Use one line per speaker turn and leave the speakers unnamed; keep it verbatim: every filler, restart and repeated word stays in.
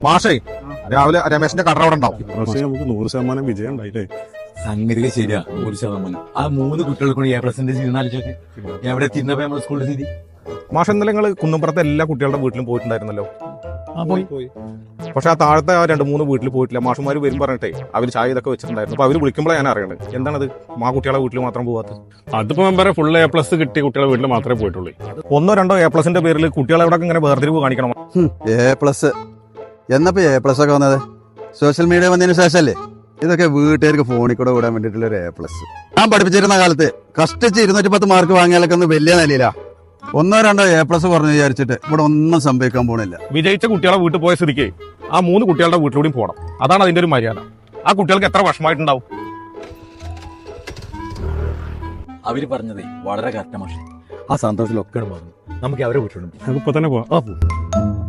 മാഷേ രാവിലെ രമേശിന്റെ കട അവിടെ ഉണ്ടാവും.
നമുക്ക് നൂറ് ശതമാനം വിജയം ഉണ്ടായില്ലേ?
സംഗതി ശരിയാ, നൂറ് ശതമാനം. ആ മൂന്ന് കുട്ടികൾക്കും എ പെർസെന്റേജ് ഇരുന്നാലിച്ചൊക്കെ എവിടെ തിന്നപ്പോ നമ്മുടെ സ്കൂളിൽ സ്ഥിതി.
മാഷ ഇന്നലെ നിങ്ങൾ കുന്നമ്പുറത്തെ എല്ലാ കുട്ടികളുടെ വീട്ടിലും പോയിട്ടുണ്ടായിരുന്നല്ലോ.
ആ പോയി
പക്ഷെ ആ താഴത്തെ ആ രണ്ട് മൂന്ന് വീട്ടിൽ പോയിട്ടില്ല. മാഷുമാര് വരും പറഞ്ഞിട്ടേ അവർ ചായ ഇതൊക്കെ വെച്ചിട്ടുണ്ടായിരുന്നു. അപ്പൊ അവര് വിളിക്കുമ്പോഴേ ഞാൻ അറിയണത് എന്താണത് മാ കുട്ടികളെ വീട്ടിൽ മാത്രം പോകാത്തത്.
അതിപ്പോ മെമ്പറെ ഫുൾ എ പ്ലസ് കിട്ടിയ കുട്ടികളെ വീട്ടിൽ മാത്രമേ പോയിട്ടുള്ളൂ.
ഒന്നോ രണ്ടോ എ പ്ലസിന്റെ പേരിൽ കുട്ടികളെ ഇവിടെ ഇങ്ങനെ വേർതിരിവ് കാണിക്കണം.
എ പ്ലസ് എന്നപ്പോ എ പ്ലസ് ഒക്കെ വന്നത് സോഷ്യൽ മീഡിയ വന്നതിന് ശേഷമല്ലേ? ഇതൊക്കെ വീട്ടുകാർക്ക് ഫോണിൽ കൂടെ വിടാൻ വേണ്ടിയിട്ടുള്ള ഒരു എ പ്ലസ്. ഞാൻ പഠിപ്പിച്ചിരുന്ന കാലത്ത് കഷ്ടിച്ച് ഇരുന്നൂറ്റി പത്ത് മാർക്ക് വാങ്ങിയാലൊക്കെ ഒന്ന് വലിയ നിലയിലാ. ഒന്നോ രണ്ടോ എ പ്ലസ് പറഞ്ഞു വിചാരിച്ചിട്ട് ഇവിടെ ഒന്നും സംഭവിക്കാൻ പോണില്ല.
വിജയിച്ച കുട്ടികളെ വീട്ടിൽ പോയ സ്ഥിതിക്ക് ആ മൂന്ന് കുട്ടികളുടെ വീട്ടിലൂടെയും പോകണം. അതാണ് അതിന്റെ ഒരു മര്യാദ. ആ കുട്ടികൾക്ക് എത്ര വിഷമമായിട്ടുണ്ടാവും.
അവര് പറഞ്ഞതേ വളരെ കറക്റ്റ് മാഷെ. ആ സന്തോഷത്തിലൊക്കെ പറഞ്ഞു നമുക്ക് അവരെ വീട്ടിലുണ്ട്.
നമുക്കിപ്പോ തന്നെ പോവാം.